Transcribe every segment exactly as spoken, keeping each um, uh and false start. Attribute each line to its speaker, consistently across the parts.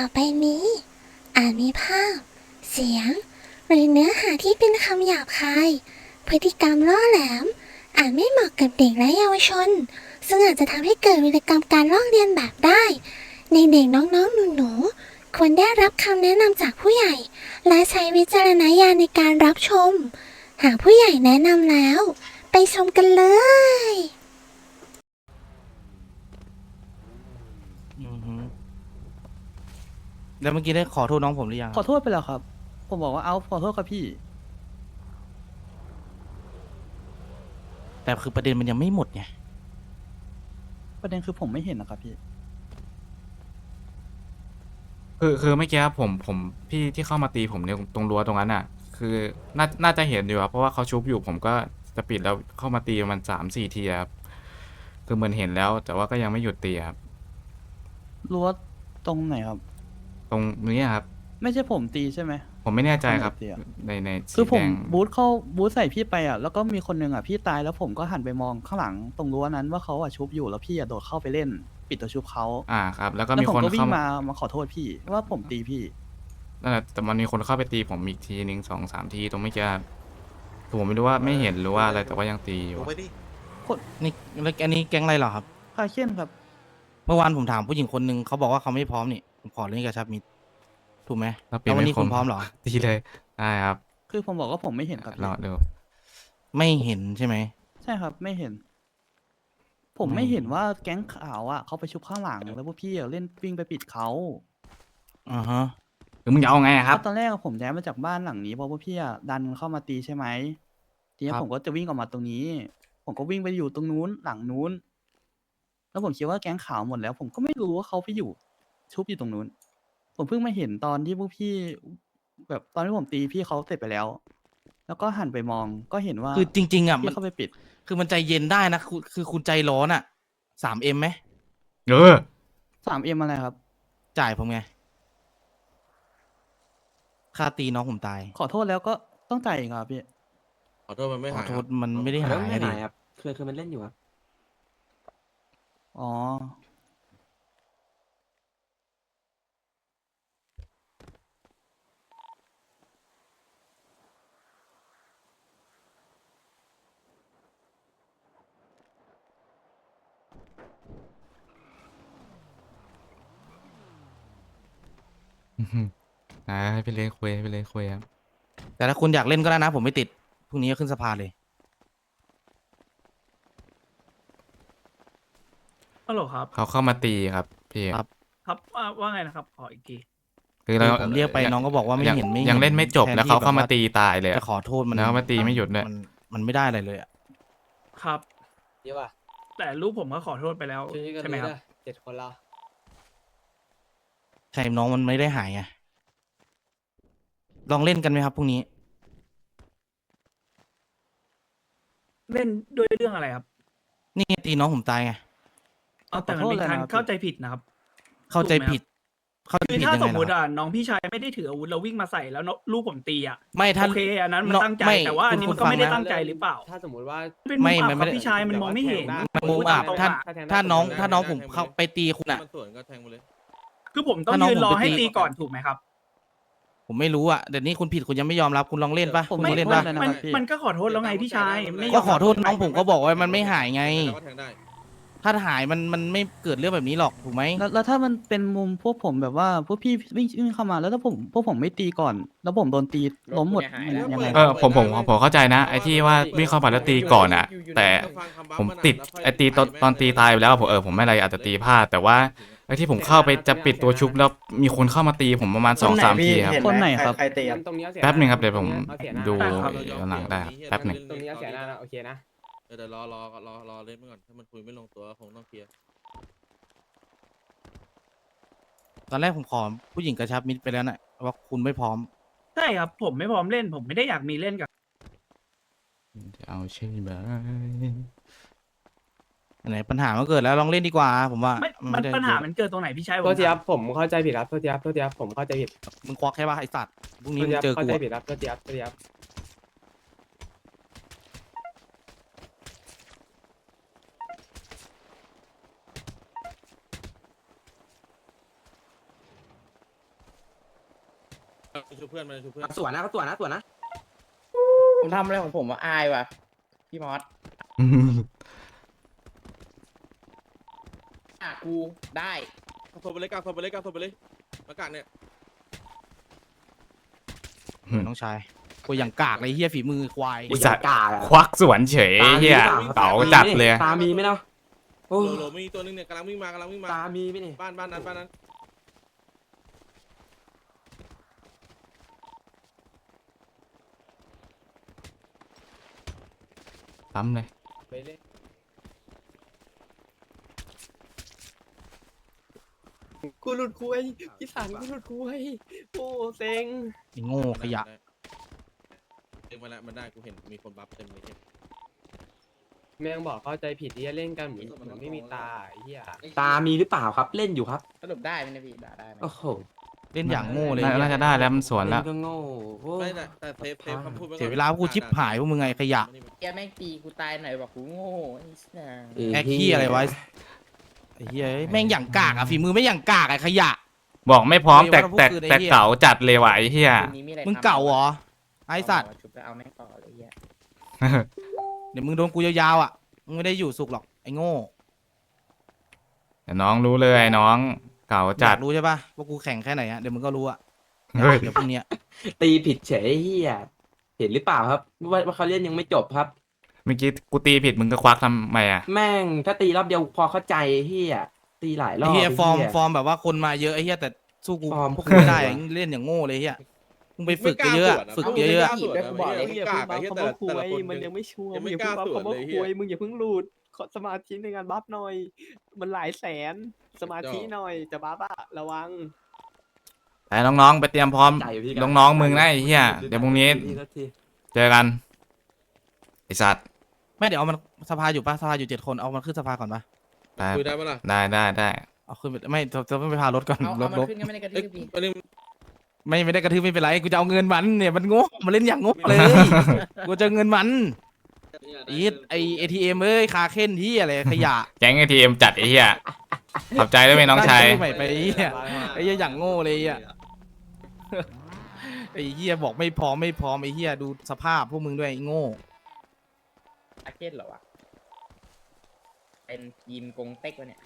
Speaker 1: ไปนี้อาจมีภาพ เสียง หรือเนื้อหาที่เป็นคำหยาบคาย พฤติกรรมล่อแหลม อาจไม่เหมาะกับเด็กและเยาวชน ซึ่งอาจจะทำให้เกิดวิกรรมการลอกเลียนแบบได้ ในเด็กน้องๆหนูๆควรได้รับคำแนะนำจากผู้ใหญ่ และใช้วิจารณญาณในการรับชม หากผู้ใหญ่แนะนำแล้ว ไปชมกันเลย
Speaker 2: อือฮึแล้วเมื่อกี้ได้ขอโทษน้องผมหรือยัง
Speaker 3: ขอโทษไปแล้วครับ ผมบอกว่าเอาขอโทษครับพี่
Speaker 2: แต่คือประเด็นมันยังไม่หมดไง
Speaker 3: ประเด็นคือผมไม่เห็นนะครับพี่
Speaker 4: คือคือเมื่อกี้ผมผมพี่ที่เข้ามาตีผมในตรงรั้วตรงนั้นอ่ะ คือน่าน่าจะเห็นอยู่ครับเพราะว่าเขาชุบอยู่ผมก็จะปิดแล้วเข้ามาตีมันสามสี่ทีครับคือเหมือนเห็นแล้ว แต่ว่าก็ยังไม่หยุดตีครับ
Speaker 3: รั้วตรงไหนครับ
Speaker 4: ตรงนี้ครับ
Speaker 3: ไม่ใช่ผมตีใช่ไหม
Speaker 4: ผมไม่แน่ใจครับ
Speaker 3: ตรงไหนตีอะ
Speaker 4: ในใน
Speaker 3: คือ
Speaker 4: สี
Speaker 3: ผม
Speaker 4: แดง
Speaker 3: บูทเข้าบูทใส่พี่ไปอ่ะ แล้วก็มีคนหนึ่งอ่ะพี่ตายแล้วผมก็หันไปมองข้างหลังตรงรั้วนั้นว่าเขาอ่ะชุบอยู่แล้วพี่อ่ะโดดเข้าไปเล่น ปิดตัวชุบเขา
Speaker 4: อ่าครับ แล้วก็
Speaker 3: แล้ว
Speaker 4: มี
Speaker 3: ผม
Speaker 4: คน
Speaker 3: ก็วิ่
Speaker 4: เข้าง มา
Speaker 3: มามาขอโทษพี่ว่าผมตีพี่
Speaker 4: นั่นแหละแต่มันมีคนเข้าไปตีผมอีกทีหนึ่งสองสามทีตรงเมื่อกี้ครับคือผมไม่รู้ว่าไม่เห็นหรือว่าอะไรแต่ว่ายังตีอยู่
Speaker 5: ลงไปดิ
Speaker 2: นี่แล้วอันนี้แก๊งอะไรเหรอครับ
Speaker 3: คาเคนครับ
Speaker 2: เมื่อวานผมถามผู้หญิงคนหนึ่งเขาบอกว่าเขาไม่พร้อมนี่ ผมขอเล่นกับชับมิดถูกไหม
Speaker 4: แล้วเป
Speaker 2: แล้ววันนี้
Speaker 4: ไม่
Speaker 2: คุณพร้อมเหรอ
Speaker 4: ตีเลยได้ครับ
Speaker 3: คือผมบอกว่าผมไม่เห็นครับ
Speaker 4: ร
Speaker 3: พี่
Speaker 4: อดู
Speaker 2: ไม่เห็นใช่ไหม
Speaker 3: ใช่ครับ ไม่เห็น ผม
Speaker 2: ไม่
Speaker 3: ไม่เห็นว่าแก๊งขาวอ่ะเขาไปชุบข้างหลังแล้วพวกพี่อะเล่นวิ่งไปปิดเขา
Speaker 2: อ่าฮะ
Speaker 4: คือมึงจะเอาไงอะครับ
Speaker 3: ตอนแรกอะผมย้ายมาจากบ้านหลังนี้เพราะว่าพี่อะดันเข้ามาตีใช่ไหมทีนี้
Speaker 4: ครับ
Speaker 3: ผมก็จะวิ่งออกมาตรงนี้ ผมก็วิ่งไปอยู่ตรงนู้นหลังนู้น แล้วผมคิดว่าแก๊งขาวหมดแล้ว ผมก็ไม่รู้ว่าเขาไปอยู่ชุบอยู่ตรงนู้น ผมเพิ่งมาเห็นตอนที่พวกพี่ แบบตอนที่ผมตีพี่เขาเสร็จไปแล้ว แล้วก็หันไปมองก็เห็นว่า
Speaker 2: คือจริง ๆอ่ะมั
Speaker 3: พี่
Speaker 2: น
Speaker 3: เข้าไปปิด
Speaker 2: คือมันใจเย็นได้นะคือคือคุณใจร้อนอ่ะสามเอ็มไหม
Speaker 4: เออ
Speaker 3: สามเอ็มอะไรครับ
Speaker 2: จ่ายผมไง ค่าตีน้องผมตาย
Speaker 3: ขอโทษแล้วก็ต้องจ่ายอีกเหรอครับพี่
Speaker 5: ขอโทษมันไม่
Speaker 2: ขอ
Speaker 5: หาย
Speaker 2: โท
Speaker 5: ครั
Speaker 2: ษ
Speaker 5: บ
Speaker 2: มันไม่ได้
Speaker 6: แล้
Speaker 2: หา
Speaker 6: วย ไม่
Speaker 2: อะดิ
Speaker 6: หายครับคือคือมันเล่นอยู่ครับ
Speaker 3: อ๋อ
Speaker 4: อ่าให้ไปเล่นคุยให้ไปเล่นคุยครับ
Speaker 2: แต่ถ้าคุณอยากเล่นก็ได้นะ ผมไม่ติด พรุ่งนี้ก็ขึ้นสภาเลย
Speaker 7: ฮัลโหลครับ
Speaker 4: เขาเข้ามาตีครับพี่
Speaker 2: ครับ
Speaker 7: ครับว่าว่าไงนะครับ ขออีกที
Speaker 4: คือเรา
Speaker 2: ผมเรียกไปน้องก็บอกว่าไม่
Speaker 4: ยัง
Speaker 2: เห็นไม่
Speaker 4: ยัง
Speaker 2: เห็น
Speaker 4: เล่นไม่จบ
Speaker 2: แทน
Speaker 4: แล้ว
Speaker 2: ที่
Speaker 4: เขาเข้า
Speaker 2: แบบ
Speaker 4: มา
Speaker 2: ว่า
Speaker 4: ตีตายเลย
Speaker 2: จะ
Speaker 4: อะ
Speaker 2: ขอโทษมัน
Speaker 4: แล้วมาตีไม่หยุดด้วย
Speaker 2: มันมันไม่ได้อะไรเลยอ่ะ
Speaker 7: ครับ
Speaker 6: เยอะป่ะ
Speaker 7: แต่ลูกผมก็ขอโทษไปแล้ว
Speaker 6: ช่วยกัน
Speaker 7: ใช่ไหม
Speaker 6: ดู
Speaker 7: ครับ
Speaker 6: นะเจ็ดคนละ
Speaker 2: ใช่น้องมันไม่ได้หายไง ลองเล่นกันไหมครับพรุ่งนี้
Speaker 7: เล่นด้วยเรื่องอะไรครับ
Speaker 2: นี่ไงตีน้องผมตายไง
Speaker 7: เอาแต่มันเป็น
Speaker 3: ขอโทษเลย
Speaker 7: การ
Speaker 3: นะครับ
Speaker 7: เข้าใจผิดนะครับ
Speaker 2: เข้าใจ
Speaker 7: ถูกไหมครับ
Speaker 2: ผิด เข้าใจ
Speaker 7: คือ
Speaker 2: ผิด
Speaker 7: ถ้า
Speaker 2: ยัง
Speaker 7: ส
Speaker 2: ไง
Speaker 7: มมติ
Speaker 2: ล่ะ
Speaker 7: อ่ะน้องพี่ชายไม่ได้ถืออาวุธแล้ววิ่งมาใส่แล้วน้องลูกผมตีอ่ะ
Speaker 2: ไม่ถ้า
Speaker 7: โอเคอันนั้นมัน
Speaker 2: น้อง
Speaker 7: ตั้งใจ
Speaker 2: ไม่
Speaker 7: แต่ว่าอันนี้
Speaker 2: คุ
Speaker 7: มั
Speaker 2: ณ
Speaker 7: นก็ไม่ได้
Speaker 2: ฟังนะ
Speaker 7: ตั้งใจหรือเปล่า
Speaker 6: ถ้าสมมติว่า
Speaker 7: เป็นมุ
Speaker 2: ไม่
Speaker 7: มอับ
Speaker 2: มัน
Speaker 7: ค
Speaker 2: ไม่
Speaker 7: รับ
Speaker 2: ได้
Speaker 7: พี่ชายมันมองไม่เห็น
Speaker 2: มันมุมอับ
Speaker 7: พูดตรงๆ
Speaker 2: ถ้า
Speaker 7: อะ
Speaker 2: ถ้าน้อง
Speaker 5: แทงได้
Speaker 2: ถ้าน้อง
Speaker 5: แท
Speaker 2: ผ
Speaker 5: ง
Speaker 2: ม
Speaker 5: ได้
Speaker 2: เข้าไปตีคุณอ่ะ
Speaker 5: มันสวนก็แทงไปเลย
Speaker 7: คือผมต้อง
Speaker 2: ถ้าน้อง
Speaker 7: ยืนรอ
Speaker 2: ผมไป
Speaker 7: ให้
Speaker 2: ตี
Speaker 7: ตีก่อนถูกไหมครับ
Speaker 2: ผมไม่รู้อ่ะเดี๋ยวนี้คุณผิดคุณยังไม่ยอมรับคุณลองเล่นปะ
Speaker 3: ผม
Speaker 2: คุณ
Speaker 3: ไม่
Speaker 2: ลองเล่น
Speaker 3: โท
Speaker 2: ปะ
Speaker 3: ษเลยนะ
Speaker 7: มัน
Speaker 3: ครับพี่
Speaker 7: มันก็ขอโทษแล้วไงพี่ชายไม่ย
Speaker 2: ก็
Speaker 7: ม
Speaker 2: ขอโทษ
Speaker 7: รับ
Speaker 2: น้องผมก็บอกว่ามันไม่หายไง
Speaker 5: แล้วก็แทงได้
Speaker 2: ถ้าหายมันมันไม่เกิดเรื่องแบบนี้หรอกถูกไหม
Speaker 3: แล้วแล้วถ้ามันเป็นมุมพวกผมแบบว่าพวกพี่วิ่งวิ่งเข้ามาแล้วถ้าผมพวกผมไม่ตีก่อน แล้วผมโดนตีล้มหมดมันยังไง
Speaker 4: เออผมผมผมเข้าใจนะไอ้ที่ว่าวิ่งเข้ามาแล้วตีก่อนอะแต่ ผมติดไอ้ตีตอนตอนตีตายไปแล้วผมเออผมไม่อะไรอาจจะตีพลาดแต่ว่าไอ้ที่ผมเข้าไปจะปิดตัวชุบแล้วมีคนเข้ามาตีผมประมาณสองสามทีครับ
Speaker 3: คนไหนครับ
Speaker 8: ใครตีครับ
Speaker 6: ตรงนี้เอาเสีย
Speaker 4: แป๊บหนึ่งครับเดี๋ยวผม
Speaker 6: เอาเสียหน้า
Speaker 4: ดู
Speaker 7: ครับ
Speaker 4: ย้อนหลังได้ครับแป๊บหนึ่ง
Speaker 6: ตรงนี้เอาเสียหน้านะโอเคนะ
Speaker 5: เออเดี๋ยวรอรอรอรอเล่นไปก่อนถ้ามันคุยไม่ลงตัวคงต้องเคลียร์
Speaker 2: ตอนแรกผมขอผู้หญิงกระชับมิตรไปแล้วนะว่าคุณไม่พร้อม
Speaker 7: ใช่ครับ ผมไม่พร้อมเล่น ผมไม่ได้อยากมีเล่นกับ
Speaker 4: จะเอาใช่ไหม
Speaker 2: ไหนปัญหามันเกิดแล้วลองเล่นดีกว่า ผมว่า
Speaker 7: ไม่
Speaker 2: มั
Speaker 7: มัน
Speaker 2: ไได้
Speaker 7: ปัญหามันเกิดตรงไหนพี่ชายผ
Speaker 6: โท
Speaker 7: ม
Speaker 6: ษทีค
Speaker 7: ถา
Speaker 6: รั
Speaker 7: ม
Speaker 6: บผมเข้าใจผิดครับโทษทีครับโทษทีครับผมเข้าใจผิด
Speaker 2: มึงควักใช่ป่ะไอสัตว์พรุ่ง
Speaker 6: โท
Speaker 2: นี้
Speaker 6: ษ
Speaker 2: มึ
Speaker 6: ที
Speaker 2: ง
Speaker 6: ครับ
Speaker 2: เจอ
Speaker 6: เข้า
Speaker 2: กู
Speaker 6: ใจ
Speaker 2: อะ
Speaker 6: ผิดครับโทษทีครับโทษทีครับ
Speaker 5: ชูเพื่อนมาชูเพื่อน
Speaker 8: สวนนะเขาสวนนะสวนนะ
Speaker 9: ผมทำอะไรของผมว่าอายว่ะพี่มอสอ่ะกูได้
Speaker 5: กางโซไปเลยกางโซไปเลยกางโซไปเลยมากางเนี่ย
Speaker 2: น้องชายกูอย่างกากเลยเฮียฝีมือควาย
Speaker 4: ไอ้สัตว์
Speaker 8: กาอะ
Speaker 4: ควักสวนเฉยเฮียเต๋าจัดเลย
Speaker 8: ตามีไหมเนาะโอ้
Speaker 5: โหลโหลมีตัวนึงเนี่ยกำลังวิ่งมากำลังวิ่งมา
Speaker 8: ตามีไหมเนี่ย
Speaker 5: บ้านบ้านนั้นบ้านนั้น
Speaker 4: ซ้ำเลย
Speaker 6: ไปเลยกูหลุดคุยพี่สันกูหลุดคุยโอ้เซ็ง
Speaker 2: ไอ้โง่ขยะ
Speaker 5: เต็มมาแล้วมันได้กูเห็นมีคนบัฟเต็มเลย
Speaker 6: แม่งบอกเข้าใจผิดที่จะเล่นกันเหมือนเหมือนไม่มีตาไอ้เหี้ย
Speaker 8: ตามีหรือเปล่าครับเล่นอยู่ครับ
Speaker 9: สรุปได้ไหมเนะพี่ด่าได้ไหม
Speaker 8: โอ้โห
Speaker 2: เล่นอย่างโง่เลย
Speaker 4: น่า
Speaker 2: เหี้ย
Speaker 4: น่าจะได้แล้วมันสวน
Speaker 8: เล่
Speaker 4: แล้ว
Speaker 8: นก็โง่โอ้
Speaker 5: ไม่แต่แต่เซฟเซฟคำพูดไว้ก่อน
Speaker 2: เสียเวลาพวกกูชิบหายพวกมึงไงขยะ
Speaker 9: แกแม่งตีกูตายหน่อยบอกกูโง่ไอ้สัส
Speaker 8: เออ
Speaker 2: แอคขี้อะไรวะไอ้เฮียแม่งอย่างกากอะฝีมือไม่อย่างกากไอ้ขยะ
Speaker 4: บอกไม่พร้อมแต่
Speaker 2: ไม่ว่า
Speaker 4: แต่
Speaker 2: พวกคือไอ้
Speaker 4: แต่
Speaker 2: เหี้ย
Speaker 4: เก๋าจัดเลยว่ะไอ้เฮีย
Speaker 9: คืนนี้มีอะไร
Speaker 2: มึง
Speaker 9: ทำ
Speaker 2: เก่าเหรอไอ้สัตว์
Speaker 9: เอาชุบแล้วเอาแม่งต่อเลยเหี้ย
Speaker 2: เดี๋ยวมึงโดนกูยาวๆอ่ะมึงไม่ได้อยู่สุขหรอกไอ้โง่
Speaker 4: เดี๋ยวน้องรู้เลยน้องเก๋า
Speaker 2: อ
Speaker 4: จั
Speaker 2: ยา
Speaker 4: ด
Speaker 2: กรู้ใช่ปะว่ากูแข่งแค่ไหนอะเดี๋ยวมึงก็รู้อะ
Speaker 4: เฮ้ย
Speaker 2: เดี๋ยวพรุ่งเนี้ย
Speaker 8: ตีผิดเฉยเฮียเห็นหรือเปล่าครับว่าว่าเขาเล่นยังไม่จบครับ
Speaker 4: เมื่อกี้กูตีผิดมึงก็ควักทำไมอ่ะ
Speaker 8: แม่งถ้าตีรอบเดียวพอเข้าใจเฮียตีหลายรอ
Speaker 2: ไอ้
Speaker 8: บ
Speaker 2: เฮียฟอร์ม
Speaker 8: ไเหี้ย
Speaker 2: ฟอร์มแบบว่าคนมาเยอะไอ้เฮียแต่สู้กู
Speaker 8: ฟอร์ม
Speaker 2: พวกกูไม่ได้อะเล่นอย่างโง่เลยเฮียมึงไปฝึกเยอะๆอะฝึกเยอะๆอะ
Speaker 5: ไม่กล้าสวนนะไม่กล้าไอ้เหี้ยแต่ละแต่ละคน
Speaker 6: มันยังไม่ชัวร์
Speaker 5: ยังไม่
Speaker 6: ง
Speaker 5: กล้า
Speaker 6: เพิ่ง
Speaker 5: สวน
Speaker 6: บัฟ
Speaker 5: เลย
Speaker 6: คำ
Speaker 5: เหี้
Speaker 6: ว่าย คุยมึงอย่าเพิ่งหลุดขอสมาธิในการบัฟหน่อย มันหลายแสนสมาธิหน่อยจะบัฟอะระวัง
Speaker 4: แต่น้องๆไปเตรียมพร้อม
Speaker 8: ใจพี่
Speaker 4: น้องๆมึงนะไอ้เหี้ยเดี๋ยวพรุ่งนี้
Speaker 8: ทีละที
Speaker 4: เจอกันไอสัตว์
Speaker 2: ไม่เดี๋ยวเอามันสภาอยู่ปะสภาอยู่เจ็ดคนเอามันขึ้นสภาก่อนปะ
Speaker 4: ได้
Speaker 5: คุยได้ปะล่ะ
Speaker 4: ได้ได้ได้
Speaker 2: เอาขึ้นไปไม่จะจะไม่ไปพารถก่อน
Speaker 9: เอา
Speaker 2: ร
Speaker 9: เอา
Speaker 2: ถ
Speaker 9: มัน
Speaker 2: ลบ
Speaker 9: ขึ้นก็ไม่ได้กระทื
Speaker 5: เอ้ย
Speaker 9: บพี่
Speaker 5: ประเด็น
Speaker 2: ไม่ไม่ได้กระทืบไม่เป็นไรกูจะเอาเงินมันเนี่ยมันโง่มาเล่นอย่างโง่เลยกูจะเอาเงินมันอีทไอเอทีเอ็มเอ้ยคาเค้นที่อะไรขยะ
Speaker 4: แก๊งไอทีเอ็มจัดไอ้เหี้ยขอบใจด้วยไหมน้องชาย
Speaker 2: ตั้ชื่ใหม่ไปไอ้เหี้ยไอ้เหี้ยอย่างโง่เลยอ่ะไอ้เหี้ยบอกไม่พร้อมไม่พร้อมไอ้เหี้ยดูสภาพพวกมึงด้วยไอ้โง่
Speaker 9: อาเกตเหรอวะเป็นยิมกงเต็กวะเนี่ย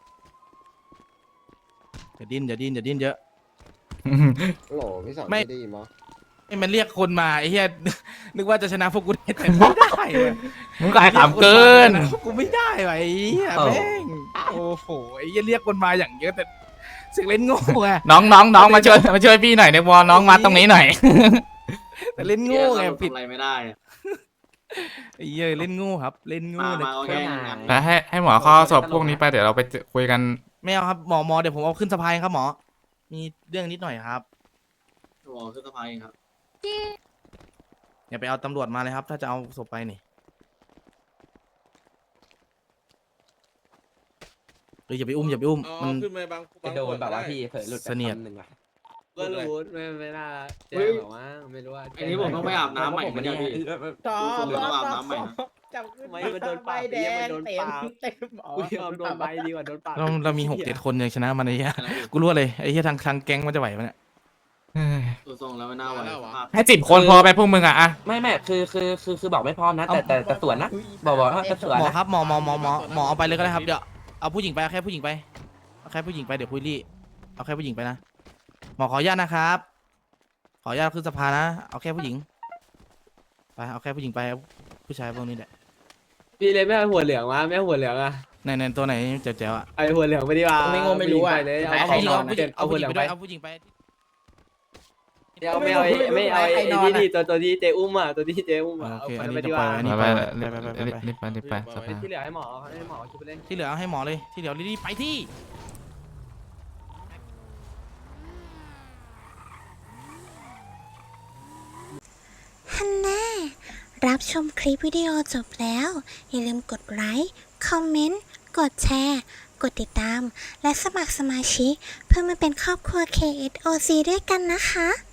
Speaker 2: อย่าดิ้นอย่าดิ้นอย่าดิ้นเยอะ
Speaker 10: โหลพี่สอน
Speaker 2: ไม่
Speaker 10: ได้ยินมั้ย
Speaker 2: ไอ้มันเรียกคนมาไอ้เหี้ย นึกว่าจะชนะพวกกูได้แต่ไม่ได้เว้ย
Speaker 4: มึงก็ไอ้ขำเกิน
Speaker 2: รียคมาชะพวกกูไม่ได้ว่ะไอ้เหี้ยแม่งโอ้โหไอ้เหี้ยเรียกคนมาอย่างเยอะแต่เสึกเล่นโง่ไง
Speaker 4: น้องน้องน้องมาช่วยมาช่วยพี่หน่อยในวอลน้องมาตรงนี้หน่อย
Speaker 2: แต่เล่นโง่ไงผิด
Speaker 10: อะไรไม่ได้อะ
Speaker 2: ไอ้เหี้ยเล่นโง่ครับ เล่นโง่
Speaker 10: มา
Speaker 2: เนี่ย
Speaker 10: มาเอาแค่นั้น
Speaker 4: แล้วให้ให้หมอเข้าสอบพวกนี้ไปเดี๋ยวเราไปเจอคุยกัน
Speaker 2: ไม่เอาครับหมอหมอเดี๋ยวผมเอาขึ้นสะพายครับหมอ มีเรื่องนิดหน่อยครับ
Speaker 10: โอ้ขึ้นสะพายเองครับ
Speaker 2: อย่าไปเอาตำรวจมาเลยครับ ถ้าจะเอาศพไปนี่เฮ้ยอย่าไปอุ้มอย่าไปอุ้ม
Speaker 5: เอา
Speaker 2: มัน
Speaker 5: ขึ้นมาบาง
Speaker 8: จะโดนแบบว่าพี่เผลอหลุดไป
Speaker 2: เสนียด
Speaker 8: คำหนึ่งว่ะ
Speaker 6: ก็รู้ไม่ไม่น่าแจ้งหรอกว่าไม่รู้ว่า
Speaker 10: อันนี้ผมต้องไปอาบน้ำใหม่
Speaker 8: ผม
Speaker 10: ไหม
Speaker 8: ไม่
Speaker 10: เนี่
Speaker 8: ได้
Speaker 10: ยพี่
Speaker 9: จอ
Speaker 10: ผมต้องอาบน้ำใหม่นะ
Speaker 9: จับขึ้น
Speaker 6: ไม่มันโดนปา
Speaker 9: ใบ
Speaker 6: ก
Speaker 9: แด
Speaker 6: เหี้ยมัน
Speaker 9: ง
Speaker 6: โดน
Speaker 9: เต็ม
Speaker 6: ปาก
Speaker 9: เต็มอ๋อ
Speaker 6: กูยอมโดนใบดีกว่าโดนปาก
Speaker 2: เราเรามีหกเจ็ดคนยังชนะมันไอ้เหี้ยกูรู้เลยไอ้เหี้ยทางทางแก๊งมันจะไหวมันเนี่ย
Speaker 10: ตัวทรงแล้วไม่น่าไหวสภาพ
Speaker 4: ให้สิบคนพอไปพวกมึงอะอะ
Speaker 8: ไม่ไม่คือคือคือคือบอกไม่พร้อมนะ แต่แต่แต่สวนนะ บอกบอกว่าจะสวน
Speaker 2: หมอ
Speaker 8: นะครับ
Speaker 2: หมอหมอหมอหมอหมอเอาไปเลยก็ได้ครับเดี๋ยวเอาผู้หญิงไปเอาแค่ผู้หญิงไปเอาแค่ผู้หญิงไปเดี๋ยวคุยรี่เอาแค่ผู้หญิงไปนะหมอขออนุญาตนะครับ ขออนุญาตขึ้นสภานะเอาแค่ผู้หญิงไปเอาแค่ผู้หญิงไปเอาผู้ชายพวกนี้แหละ
Speaker 6: พี่เลยไม่เอาหัวเหลืองวะไม่เอาหัวเหลืองอะ
Speaker 2: ในในตัวไหนเจ๋วๆอ่ะ
Speaker 6: ไอหัวเหลืองไม่ดีว่า
Speaker 9: ไม่งงไม่รู้อะ
Speaker 6: ไปเลยเอา
Speaker 2: เอา
Speaker 9: ใคร
Speaker 2: ผู้หญิง
Speaker 9: น
Speaker 2: เอา
Speaker 9: อน
Speaker 2: ผู้หญิง
Speaker 6: เอา
Speaker 2: เอา
Speaker 6: หั
Speaker 2: ผู้
Speaker 6: ว
Speaker 2: ห
Speaker 6: เห
Speaker 2: ญิ
Speaker 6: ลื
Speaker 2: ง
Speaker 6: อง
Speaker 2: ไป
Speaker 6: ไป
Speaker 2: ด้วยเอาผู้หญิงไป
Speaker 6: ไม่เอาไม่เอาไม่เอา
Speaker 9: ใคร
Speaker 6: ไอ้
Speaker 9: นอน
Speaker 6: นี่
Speaker 9: อะ
Speaker 6: ดิตัวตัวที่เจอุ้มอ่ะตัวที่เจอุ้มอ่ะ
Speaker 2: โอ
Speaker 6: เอา
Speaker 2: เค
Speaker 6: ค
Speaker 2: อั
Speaker 6: น
Speaker 2: น
Speaker 6: นั้น
Speaker 2: นี้
Speaker 6: ไป
Speaker 2: จะ
Speaker 6: ดี
Speaker 2: ป
Speaker 6: ก
Speaker 2: ล่อย
Speaker 6: ว่า
Speaker 2: อันนี้ไปไปไปไปไป
Speaker 4: รีบไปรีบไปสภา
Speaker 6: ที่เหลือให้หมอให้หมอคิดไปเล่น
Speaker 2: ที่เหลือเอาให้หมอเลยที่เหลือรีบๆไปที่
Speaker 1: ฮันน่ารับชมคลิปวิดีโอจบแล้ว อย่าลืมกดไลค์ คอมเมนต์ กดแชร์ กดติดตาม และสมัครสมาชิก เพื่อมาเป็นครอบครัว เค เอส โอ ซี ด้วยกันนะคะ